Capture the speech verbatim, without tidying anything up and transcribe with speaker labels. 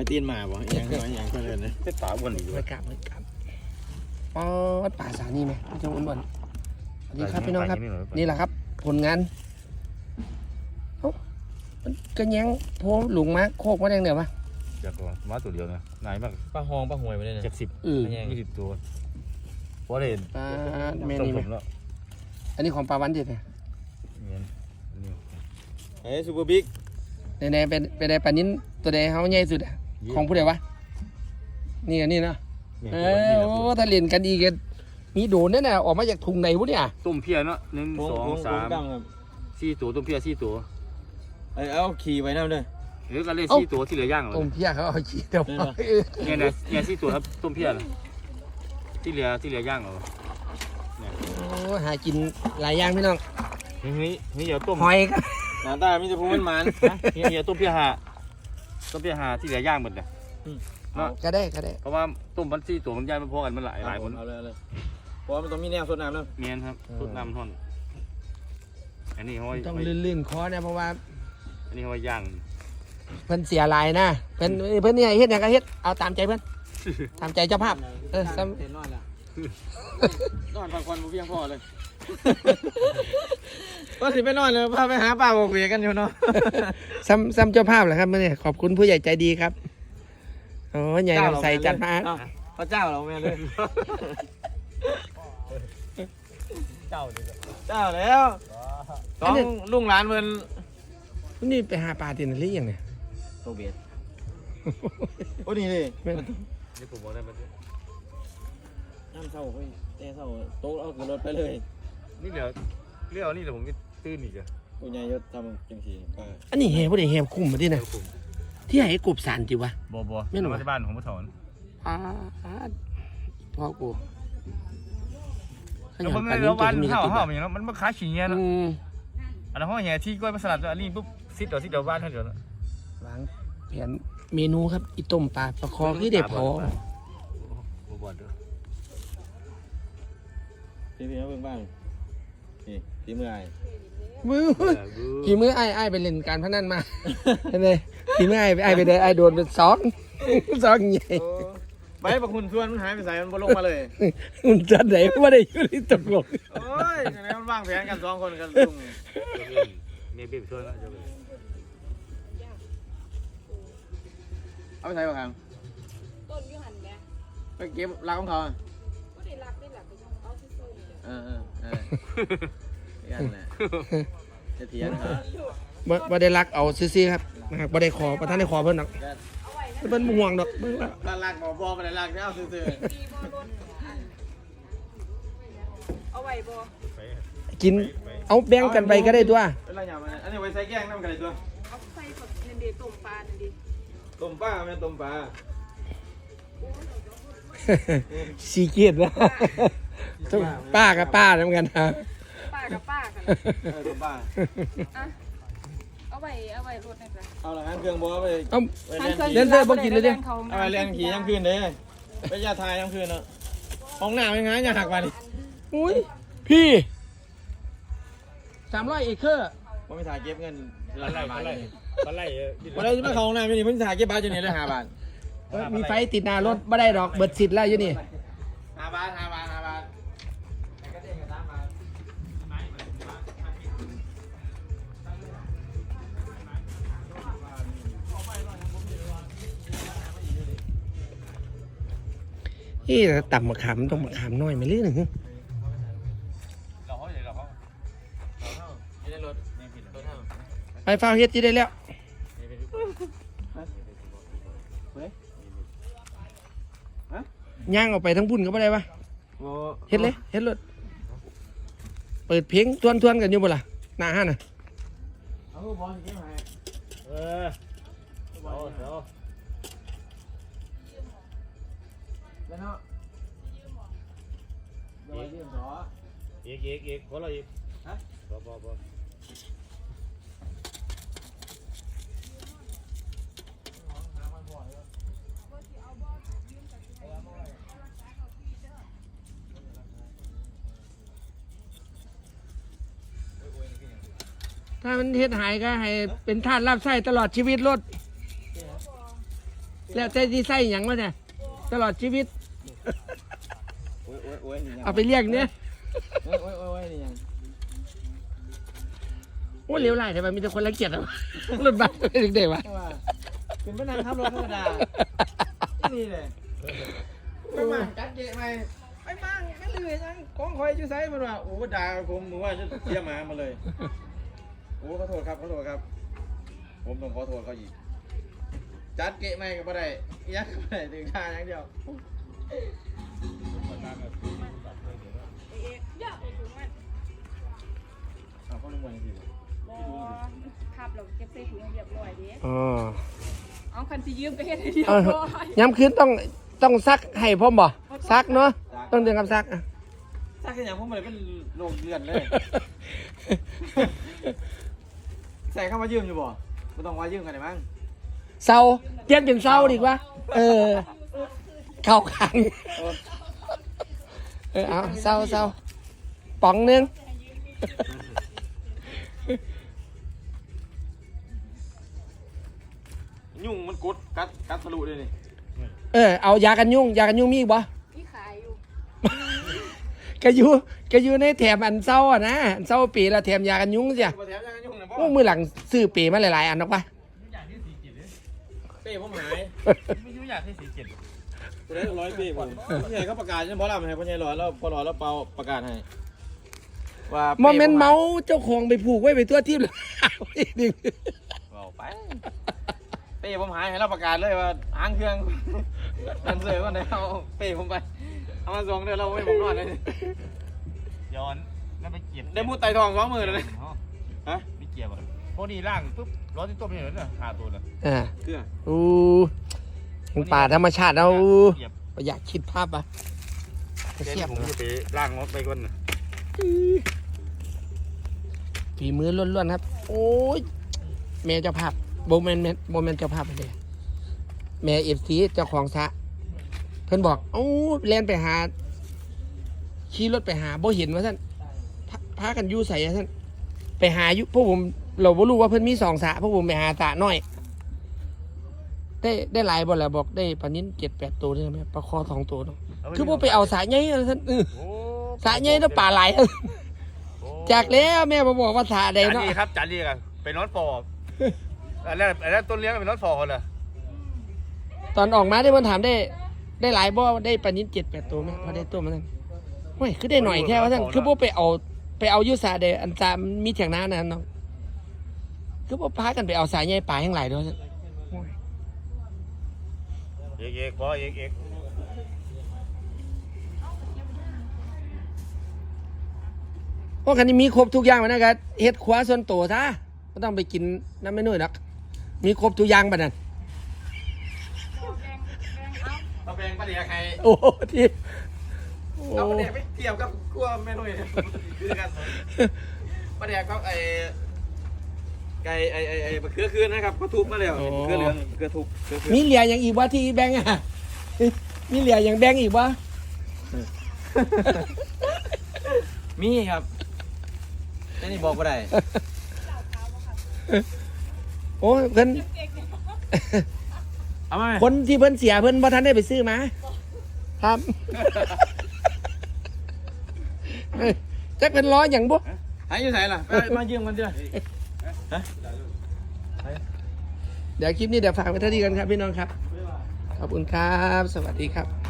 Speaker 1: ตีนมาบ่ยังยังก็เลยนะเป็นป่าอ้วนอีกด้วย
Speaker 2: ไม่กลับไม่กลับอ๋อป่าสานี่ไหมพี่จงอ้วนๆนี่ครับพี่น้องครับนี่แหละครับผลงานเอ้ามันกระแยงโพหลุงมาโคกมาแดงเดี๋ยวปะ
Speaker 3: จากมาตัวเดียวนะนายมาก
Speaker 1: ปลาหองปลาหวยไปเลยนะ
Speaker 3: จากสิบ
Speaker 2: อือ
Speaker 3: ยี่สิบตัวเพราะเห็น
Speaker 2: ปลาแม่
Speaker 3: ต้ม
Speaker 2: นี่ไหม
Speaker 3: ผมแล้ว
Speaker 2: อันนี้ของปลาวันเด็ดไง
Speaker 3: เนี่ยนี่
Speaker 1: เฮ้ยซูเปอร์บิ๊ก
Speaker 2: ในๆเป็นเป็นไดปลานิ้นตัวใดเขาใหญ่สุดอะของผู้ใดวะนี่อันนี้เนาะเออโอ้ถ้าเล่นกันอีกกันมีโดนแน่น่ะออกมาจากถุงไหนวะเนี่ย
Speaker 3: ต้มเพียเนาะหนึ่งสองสามสี่ตัวต้มเพียสี่ตัว
Speaker 1: เอ้เอาขี่ไว้นั่นเลย
Speaker 3: หรือกันเลยสี่ตัวที่เหลือย่างเหรอ
Speaker 2: ต้มเพี้ยเขาเอาขี้เดียว
Speaker 3: เนี่ยนะเนี่ยสี่ตัวครับต้มเพียที่เหลือที่เหลือย่างเหรอ
Speaker 2: โอ้หากินหลายอย่างพี่น้อง
Speaker 3: นี่นี่นี่เดี๋ยวต้ม
Speaker 2: หอยก็
Speaker 1: หน้าตามีแต่พูมันมัน
Speaker 3: นี่เดี๋ยวต้มเพียหาต้มเพียหาที่เหลือย่างหมดเลย
Speaker 2: ก็ได้ก็ได้
Speaker 3: เพราะว่าต้มพันสี่ตัวมันย่างมันพอกันมันหลายหลายคน
Speaker 1: เอาเลยเลยเพราะมันต้องมีแนวสดน้ำนะ
Speaker 3: เมียนครับทุดน้ำท่อนอันนี้เขา
Speaker 2: ต้องลื่นๆคอเนี่ยเพราะว่า
Speaker 3: อันนี้เขาย่าง
Speaker 2: เพิ่นเสียหลายนะเพิ่นเพิ่นเนี่ยเฮ็ดหยังก็เฮ็ดเอาตามใจเพิ่นตามใจเจ้าภาพเออซ้ำ
Speaker 1: เห็นนอนแล้วนอนพักผ่อนบ่เพียงพอเลยก็สิไปนอนเลยพาไปหาปลาบกเบียกันอยู่เนาะ
Speaker 2: ซ้ำซ้ำเจ้าภาพเหรอครับมื่อนี้ขอบคุณผู้ใหญ่ใจดีครับโอ้ใหญ่ลำใส่จัดมา
Speaker 1: พระเจ้าเราแม่เลย
Speaker 3: เจ้าดิ
Speaker 1: เจ้าแล้วต้องลุงหลานเพิ่น
Speaker 2: นี่ไปหาปลาที่ไหนหรือยังเนี่ย
Speaker 1: โตเบียดโอ้นี่ดิ
Speaker 3: นี่ผมบอกได้ไหม
Speaker 1: น้ำเศร้าเฮ้ยแต่เศร้าโต๊ะเอาขึ้นรถไปเลย
Speaker 3: นี่เดี๋ยวเรียกนี่เดี๋ยวผมจะตื้นอีกอ่ะ
Speaker 1: กูยายยศทำจังสีป้า
Speaker 2: อันนี้เฮผู้ใดเฮคุ้มมาที่ไหนที่ไหนกบสารจิวะ
Speaker 3: บัวบัวไม่หนูที่บ้านของพ่อถอน
Speaker 2: อ่าพ่อกูข
Speaker 3: แล้ว
Speaker 2: ยั
Speaker 3: เพิ่
Speaker 2: น
Speaker 3: ง
Speaker 2: ปลา
Speaker 3: เลย
Speaker 2: นิ้
Speaker 3: แล้ว
Speaker 2: ตัว
Speaker 3: วัน
Speaker 2: มีกระ
Speaker 3: เห่า
Speaker 2: ติบ
Speaker 3: เห่าอย่างนั้นมันมาค้าฉีเงี้ย
Speaker 2: อื
Speaker 3: เนาะ
Speaker 2: ม
Speaker 3: อันนั้นห้องแห่ที่กล้วยมาสลัดอันนี้ปุ๊บซิดเดี๋ยวซิดเดี๋ยวบ้านเท่าเดี๋ยว
Speaker 2: วางแผนเมนูครับอีต้มปลาปลาคอคือเด็ดพอ
Speaker 3: บัวบัวเด้อ
Speaker 1: พี่พี่เขาเพิ่งบ้างนี่พี่เมื่อย
Speaker 2: มือพี่มือไอ้ไอ้ไปเล่นการพนันมาเห็นไหมพี่มือไอ้ไอ้ไปได้ไอ้โดนเป็นสองสองใหญ่
Speaker 1: ไปประคุณชวนมันหายไปใส่มันบ่ลงมาเลย
Speaker 2: มันจะไหนว่าได้อยู่ที่ตกลง
Speaker 1: โอ้ยไหนมันวางแผนกันสองคนกันลุง
Speaker 3: เมียเบี้ยช่วยแล้วจะไป
Speaker 1: เอาไปใส่บ้างครับ
Speaker 4: ต้นอยูหันแม่
Speaker 1: ไปเก็บรักของเขา
Speaker 4: ก็ได้รักได้หลักไปยังเอาซื่อๆนี่แหละ
Speaker 1: เออเออเออยันแหละจะเถียงฮะ
Speaker 2: บ่บ่ได้รักเอาซื่อๆครับหากบ่ได้ขอประธานได้ขอเพิ่นดอก
Speaker 4: เอาไว้
Speaker 2: เพิ่นบ่ห่วงดอกเบิ่งว่า
Speaker 1: รักรักบอกบอกไปเลยรักแล้วซื่อ
Speaker 4: ดีบ่รถอันเอาไว้บ่
Speaker 2: กินเอาแบ่งกันไปก็ได้ตัว
Speaker 1: ๆเป็นไรอย่างมันอันนี้ไว้ใส่แกงน้ำกันเลยตัว
Speaker 4: เอาใส่ผักนันเดต้มปลานันดี
Speaker 1: ต้มปลาไม่ต้มปลา
Speaker 2: สีเกียรตินะต้องป้ากับป้าเหมือนกันนะ
Speaker 4: ป้ากับป้ากัน
Speaker 1: เออต้มปลา
Speaker 4: อ่ะเอาไว้เอาไว้รถนี่จ้ะ
Speaker 1: เอาละงั้นเครื่องบัวไป
Speaker 2: เอ้า
Speaker 1: ไปเรียนขี่
Speaker 2: เดินเดินบ่กินเลยดิ
Speaker 1: เอาไปเรียนขี่ยังคืนเด้ไปยาทายยังคืนเนาะห้องน้ำยังไงอย่าหักมาดิ
Speaker 2: อุ้ยพี่สามร้อยเอเคอร์
Speaker 1: ว่าไม่ถ่ายเก็บเงิน
Speaker 3: ปลาไหลปลาไหลปลาไหล
Speaker 1: วันนี้มาเข้าห้องน้ำไม่นี่เพิ่งถ่ายเก็บบาทอยู่นี่เลยห้าบาท
Speaker 2: เอ้ยมีไฟติดหน้ารถไม่ได้ดอกเบิดสิทธิ์แล้วอยู่นี่
Speaker 1: ห้าบาทห้าบาทห้าบาท
Speaker 2: นี่ต่ำมะขามต้องมะขามน้อยไหมหรือหนึ่ง
Speaker 3: เราเขาเดี๋ยวเราเขา
Speaker 1: ไม่ได้รถไม่ผิดรถเท่า
Speaker 2: ไปฟ้าวเฮ็ดจีได้แล้วย่างออกไปทั้งบุญก็ไม่ได้ปะ
Speaker 1: โอ้
Speaker 2: เฮ็ดเลยเฮ็ดรถเปิดเพลงทวนทวนๆกันอยู่บ่ล่ะหน้าห้าน่ะ
Speaker 1: เอาบอลเก็บให้
Speaker 3: เออเดี๋ยวเดี๋ยว
Speaker 1: แล้วเนาะเดี๋ยวยืมสอ
Speaker 3: อีกอีกอีกคนละอีกฮะบ่บ่บ่
Speaker 2: ถ้ามันเฮ็ดหายก็ให้เป็นทาสรับใช้ตลอดชีวิตรถแล้วใจที่ใส่หยังวะเนี่ยตลอดชีวิต
Speaker 1: โอ้ยโอ้ยโอ้ยนี่ยัง
Speaker 2: เอาไปเรียกเนี่ย
Speaker 1: โอ้ยโอ้ยโอ้ยโอ้ยนี่ยัง
Speaker 2: โอ้เหลวไหลทำไมมีแต่คนรังเกียจอ่ะรถบัสเด็กๆวะ
Speaker 1: ว่าเป็นพนักขับรถธรรมดานี่เลยไปมั่งจัดเกะไหมไปมั่งไม่เลยยังกองคอยอยู่ไซมันว่าโอ้ด่าผมมึงว่าจะเสียหมามาเลยโอ้ขอโทษครับขอโทษครับ ผมต้องขอโทษเขาอีกจัดเกะไหมก็บ่ได้ยักก็บ่ได้ถึงท่าอย่างเดียว
Speaker 4: เอ๊ะเยอะถุงมัน
Speaker 1: เอาเขาลงมาจริง
Speaker 4: บ่ขับเราเก็บใส่ถุงให้เรียบร้อยเด้
Speaker 2: อ๋อ
Speaker 4: เอาคันสิยืมก็เฮ็ดให้เรียบ
Speaker 2: เออ
Speaker 4: ร้อย
Speaker 2: ย้ำคืนต้องต้องซักให้พ่อมบ่ซักเนาะต้องเดือนกับซักอ่ะ
Speaker 1: ๆซักแค่อย่างผมเลยเป็นโรคเดือนเลย ใส่เข้ามายืมอยู่บ่ไม่ต้องว่ายืมกันเลยมั้ง
Speaker 2: เศร้าเปลี่ยนเป็นเศร้าดีกว่าเออเข้าขังเออเอาเศร้าเศร้าป๋องหนึง
Speaker 1: ยุ่งมันกดกัดกัดทะลุเลยนี่
Speaker 2: เออเอายากันยุงยากันยุงมีอีกบ่
Speaker 4: มีขายอยู่
Speaker 2: กะอยู่กะอยู่ในแถมอันเศร้าอ่ะนะอันเศร้าปีละแถมยากันยุงเสีย
Speaker 1: มาแถมยังกันยุ่งนะพ่
Speaker 2: โอ้มือหลังซื้อปีมาหลายๆอันนักวะ
Speaker 1: เป้ผมหาย
Speaker 3: ไม่ยุ่งอยากให้สีเจ็ด
Speaker 1: ตัวได้ร้อยเป้ผมพี่ใหญ่เขาประกาศใช่ไหมพอรับให้พ่อใหญ่หลอดแล้วพอหลอดแล้วเปาประกาศให้ว่า
Speaker 2: โมเมนต์เมาเจ้าของไปผูกไว้ไปตัวทิพย์เลย ดึง
Speaker 1: เอาไปเป้ผมหายให้เราประกาศเลยว่าหางเครื่องดันเสือก่อนเดี๋ยวเอาเป้ผมไปเอามาส่งเดี๋ยวเราไม่ผมนอนเลย
Speaker 3: ย้อนแล้วไปเก็บ
Speaker 1: ได้มูดไต่ทองสองหมื่นเลยฮะ
Speaker 3: ไม่เกี่ยวอ่ะพวกนี้ล่างปุ๊บร้อนที่ต้มเนี่ยหาตัวเลย
Speaker 2: อ่า
Speaker 1: เครื่อง
Speaker 2: อู้ยังป่าธรรมชาติเรา
Speaker 3: เก็บ
Speaker 2: อยากคิดภาพอ่ะ
Speaker 3: เดี๋
Speaker 2: เสีย
Speaker 3: ย
Speaker 2: บ
Speaker 3: วผมจะไปล่างรถไปก่อนนะ
Speaker 2: ฝีมือล้วนๆครับ โอ้ยแม่เจ้าภาพโบแมนโบแมนเจ้าภาพเลยแม่เอฟซีเจ้าของสระเพิ่นบอกโอ้แล่นไปหาขี่รถไปหาบ่เห็นว่าท่านพาพากันอยู่ใส่ท่านไปหาอยู่พวกผมเราบ่รู้ว่าเพิ่นมีสองสระพวกผมไปหาสระน้อย ได้ได้หลายบ่แล้วบอกได้ปลานิ้นเจ็ดแปดตัวได้ไหมปลาคอสองตัวเนาะคือพวกไปเอาสระใหญ่ท่านเออ
Speaker 3: โอ้
Speaker 2: สระใหญ่แล้วปลาไหลายจากแล้วแม่มาบอกว่าสระใด
Speaker 3: จาน
Speaker 2: เนาะ
Speaker 3: ดีครับจานดีกันเป็นรถฟอร์อันแรกอันแรกต้นเลี้ยงเป็นรถฟอร์คนละ
Speaker 2: ตอนออกมาได้เพิ่นถามได้ ได้หลายบ่ได้ปลานิ้นเจ็ดแปดตัวไหมพอได้ตัวมาท่านเฮ้ยคือได้หน่อยแค่ว่าท่านคือพวกไปเอาไปเอาอยุสาเดอันจามมีเถียงน้านะน้องคือพวกพากันไปเอาสายใหญ่ปลาแห่งหลายด้วยท่าน
Speaker 3: เอกเอกพอเอกเอก
Speaker 2: พวกคันนี้มีครบทุกอย่างมานะครับเฮ็ดขวาส่วนตัวซะไม่ต้องไปกินน้ำไม่นุ่ยนักมีครบทุกอย่างปะนั่น
Speaker 1: เราแบ่งประเดี๋ยวใคร
Speaker 2: โอ้โหที่โอ้
Speaker 1: เอาประเดี๋ยวไปเทียบกับกลัวแม่นุ่ยคือกันประเดี๋ยวก็ไอ้ไก่ไอ้ไอ้ไอ้เครือคืนนะครับก็ทุบมาแล้วเครือเหลืองเครือทุบเครือคืน
Speaker 2: มีเหลียอย่างอีกวะที่แบงค์อ่ะมีเหลียอย่างแบงค์อีกวะ
Speaker 1: มีครับแค่นี้บอกว่าได้
Speaker 2: โอ้ยเพิ่น
Speaker 1: เอามา
Speaker 2: คนที่เพิ่นเสียเพิ่นบ่ทันได้ไปซื้อมาครับเอ้ยจักเป็นล้ออย่างบ่
Speaker 1: หายอยู่ไหนล่ะไปมายืมกันดิฮะ
Speaker 2: เดี๋ยวคลิปนี้เดี๋ยวฝากไว้เท่านี้กันครับพี่น้องครับ ขอบคุณครับ สวัสดีครับ